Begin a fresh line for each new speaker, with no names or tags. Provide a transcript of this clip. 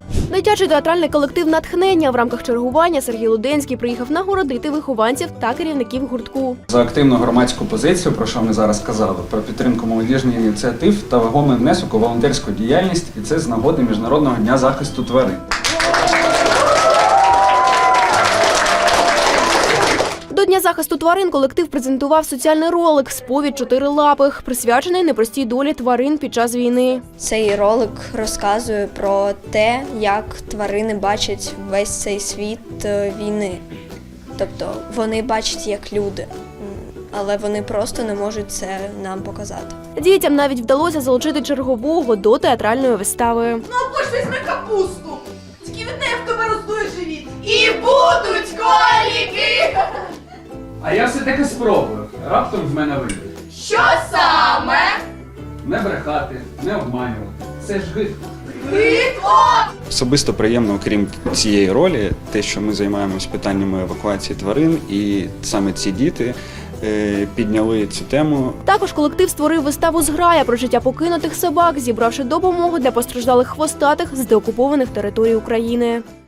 Дитячий театральний колектив «Натхнення» в рамках чергування Сергій Луденський приїхав нагородити вихованців та керівників гуртку.
За активну громадську позицію, про що ми зараз казали, про підтримку молодіжних ініціатив та вагомий внесок у волонтерську діяльність, і це з нагоди Міжнародного дня захисту тварин.
До Дня захисту тварин колектив презентував соціальний ролик «Сповідь чотирилапих», присвячений непростій долі тварин під час війни.
Цей ролик розказує про те, як тварини бачать весь цей світ війни. Тобто вони бачать як люди, але вони просто не можуть це нам показати.
Дітям навіть вдалося залучити чергового до театральної вистави.
Ну або ж візьми капусту, тільки від неї в тебе роздує живіт. І будуть коліки!
А я все-таки спробую. Раптом в мене вийде.
Що саме?
Не брехати, не обманювати. Це ж гидко.
Гидко!
Особисто приємно, окрім цієї ролі, те, що ми займаємось питаннями евакуації тварин, і саме ці діти підняли цю тему.
Також колектив створив виставу «Зграя» про життя покинутих собак, зібравши допомогу для постраждалих хвостатих з деокупованих територій України.